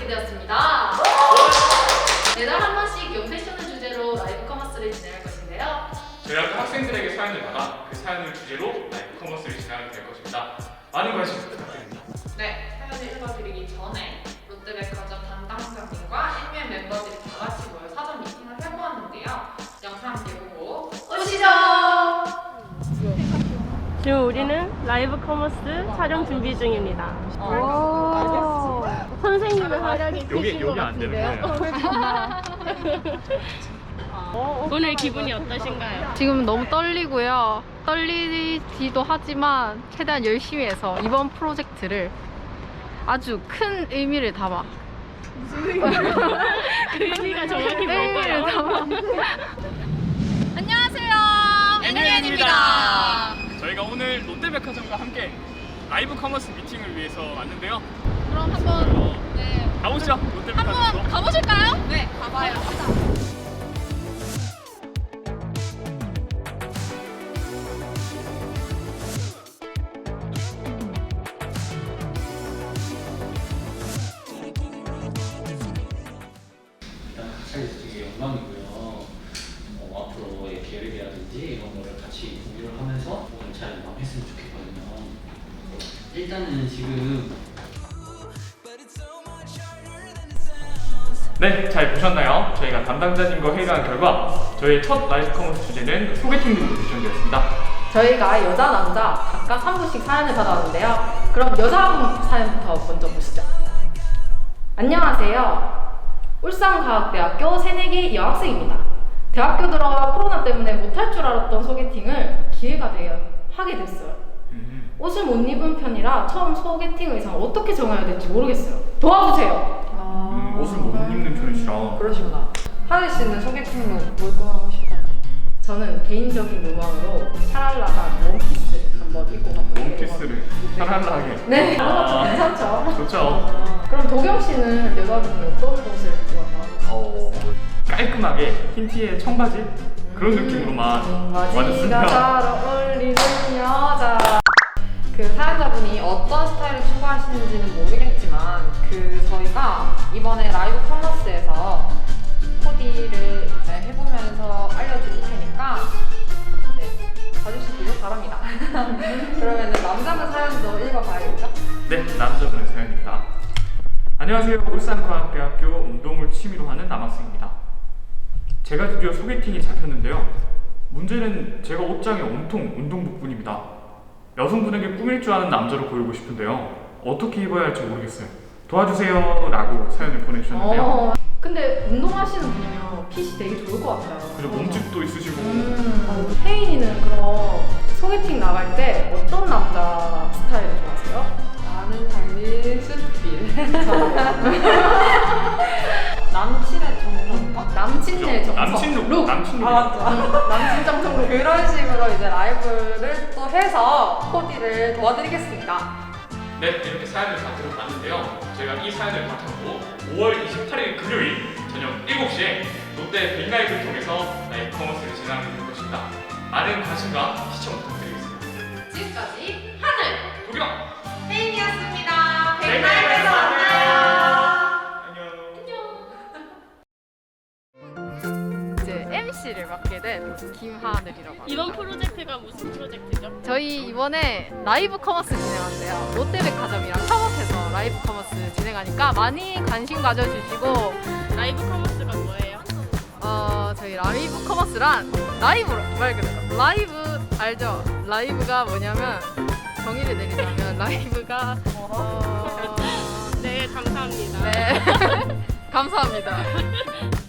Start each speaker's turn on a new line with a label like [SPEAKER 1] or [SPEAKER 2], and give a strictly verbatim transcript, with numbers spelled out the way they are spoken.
[SPEAKER 1] 되었습니다. 매달 한 번씩 용 패션을 주제로 라이브 커머스를 진행할 것인데요.
[SPEAKER 2] 저희 학교 학생들에게 사연을 받아 그 사연을 주제로 라이브 커머스를 진행하게 될 것입니다. 많은 관심 부탁드립니다.
[SPEAKER 1] 네, 사연을 읽어드리기 전에 롯데백화점 담당자님과 일면 멤버들이 다 같이 모여 사전 미팅을 해보았는데요. 영상 함께 보고 오시죠!
[SPEAKER 3] 지금 우리는 라이브 커머스 촬영 준비 중입니다.
[SPEAKER 4] 오.
[SPEAKER 3] 선생님의 활약이
[SPEAKER 2] 여기
[SPEAKER 3] 크신 것
[SPEAKER 2] 여기 안 되는
[SPEAKER 3] 같은데요.
[SPEAKER 2] 거예요.
[SPEAKER 3] 오늘 기분이 어떠신가요?
[SPEAKER 4] 지금 너무 떨리고요. 떨리기도 하지만 최대한 열심히 해서 이번 프로젝트를 아주 큰 의미를 담아
[SPEAKER 3] 그 의미가 정확히
[SPEAKER 4] 의미를
[SPEAKER 3] 뭔가요?
[SPEAKER 4] 담아 안녕하세요.
[SPEAKER 2] 엠유엔입니다. 저희가 오늘 롯데백화점과 함께 라이브 커머스 미팅을 위해서 왔는데요.
[SPEAKER 4] 그럼 한번 네,
[SPEAKER 2] 가보시죠. 롯데백화점으로.
[SPEAKER 4] 한번 가보실까요? 네, 가봐요.
[SPEAKER 5] 일단 같이 되게 영광이고요. 어, 앞으로의 계획이라든지 이런 거를 같이 공유를 하면서 오늘 잘 마무리했으면 좋겠거든요. 일단은 지금
[SPEAKER 2] 네, 잘 보셨나요? 저희가 담당자님과 회의를 한 결과 저희의 첫 라이브 커머스 주제는 소개팅 등으로 결정되었습니다.
[SPEAKER 1] 저희가 여자, 남자 각각 한 분씩 사연을 받아왔는데요. 그럼 여자 사연부터 먼저 보시죠. 안녕하세요. 울산과학대학교 새내기 여학생입니다. 대학교 들어와 코로나 때문에 못할 줄 알았던 소개팅을 기회가 되어 하게 됐어요.
[SPEAKER 2] 음.
[SPEAKER 1] 옷을 못 입은 편이라 처음 소개팅 의상을 어떻게 정해야 될지 모르겠어요. 도와주세요.
[SPEAKER 2] 음, 옷을 못 입는 편이시라.
[SPEAKER 6] 그러시구나. 하늘 씨는 소개팅로 뭘 꾸하고 싶나요?
[SPEAKER 1] 저는 개인적인 로망으로 샤랄라한 원피스를 한번 입고 가보려고
[SPEAKER 2] 원피스를 샤랄라하게.
[SPEAKER 1] 네, 그런 것도
[SPEAKER 2] 아,
[SPEAKER 1] 괜찮죠.
[SPEAKER 2] 좋죠.
[SPEAKER 1] 그럼 도경 씨는 여자분이 어떤 옷을 입고
[SPEAKER 2] 어,
[SPEAKER 1] 가고
[SPEAKER 2] 깔끔하게 흰 티에 청바지 그런 느낌으로만
[SPEAKER 1] 바지가
[SPEAKER 2] 와줬으면.
[SPEAKER 1] 잘 어울리는 여자.
[SPEAKER 6] 그 사연자분이 어떤 스타일을 추구하시는지는 모르겠지만 그 저희가 이번에 라이브 커머스에서 코디를 이제 해보면서 알려드릴 테니까 네, 봐주시길 바랍니다. 그러면 남자분 사연도 읽어봐야겠죠?
[SPEAKER 2] 네, 남자분의 사연입니다. 안녕하세요. 울산과학대학교 운동을 취미로 하는 남학생입니다. 제가 드디어 소개팅이 잡혔는데요. 문제는 제가 옷장에 온통 운동복뿐입니다. 여성분에게 꾸밀 줄 아는 남자로 보이고 싶은데요. 어떻게 입어야 할지 모르겠어요. 도와주세요 라고 사연을 보내주셨는데요.
[SPEAKER 1] 어, 근데 운동하시는 분이면 핏이 되게 좋을 것 같아요.
[SPEAKER 2] 그리고 몸집도 있으시고.
[SPEAKER 1] 음, 혜인이는 그럼 소개팅 나갈 때 어떤 남자 스타일을 좋아하세요?
[SPEAKER 6] 나는 달리 스틸. 남친의 정성.
[SPEAKER 1] 남친의 정석.
[SPEAKER 2] 남친 룩,
[SPEAKER 1] 룩.
[SPEAKER 2] 남친 룩.
[SPEAKER 6] 아 맞죠.
[SPEAKER 1] 남친 정석 룩.
[SPEAKER 6] 그런 식으로 이제 라이브를 또 해서 코디를 도와드리겠습니다.
[SPEAKER 2] 네, 이렇게 사연을 다 들어봤는데요. 저희가 이 사연을 바탕으로 오월 이십팔일 금요일 저녁 일곱 시에 롯데 빅라이브를 통해서 라이브 커머스를 진행하게 될 것입니다. 많은 관심과 시청 부탁드리겠습니다.
[SPEAKER 1] 지금까지 하늘
[SPEAKER 2] 도경!
[SPEAKER 1] 혜인이었습니다.
[SPEAKER 2] 백라이브에서
[SPEAKER 4] 이제 엠씨를 맡게 된 김하늘이라고 합니다.
[SPEAKER 3] 이번 프로젝트가 무슨 프로젝트죠?
[SPEAKER 4] 저희 이번에 라이브 커머스 진행한대요. 롯데백화점이랑 협업해서 라이브 커머스 진행하니까 많이 관심 가져주시고
[SPEAKER 3] 라이브 커머스가 뭐예요?
[SPEAKER 4] 어 저희 라이브 커머스란 라이브로 말 그대로 라이브 알죠? 라이브가 뭐냐면 정의를 내리자면 라이브가 어...
[SPEAKER 3] 네, 감사합니다.
[SPEAKER 4] 네 감사합니다.